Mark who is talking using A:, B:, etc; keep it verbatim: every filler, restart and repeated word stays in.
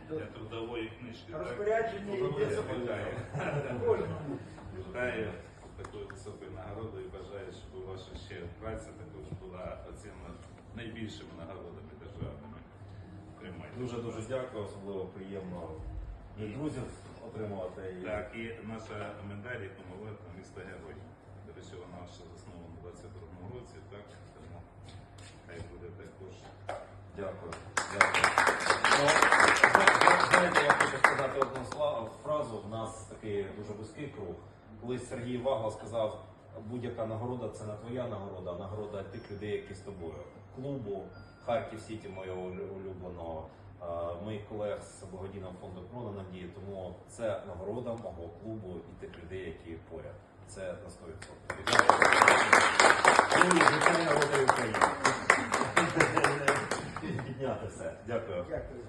A: для трудової книжки.
B: Розпорядження йде
A: Вітаю.
B: кожному.
A: Вітаю такою високою нагородою і бажаю, щоб ваша ще праця також була оцінена найбільшими нагородами державними. Тримайте.
C: Дуже-дуже дякую, особливо приємно від друзів отримувати.
A: Так, і наша медаль, яку ми виграли, місто Герой. До речі, вона ще заснована у двадцять другому році, так? Тому хай буде також.
C: Дякую. Дякую. Ну, знаєте, я хочу сказати одну славу, фразу. В нас такий дуже вузький круг. Колись Сергій Вагла сказав, будь-яка нагорода – це не твоя нагорода, а нагорода тих людей, які з тобою. Клубу, Харків Сіті, моєго улюбленого, моїх колег з благодійного фонду «Крона Надії», тому це нагорода мого клубу і тих людей, які поряд. Це на сто відсотків. Підняти все. Дякую.
B: Дякую.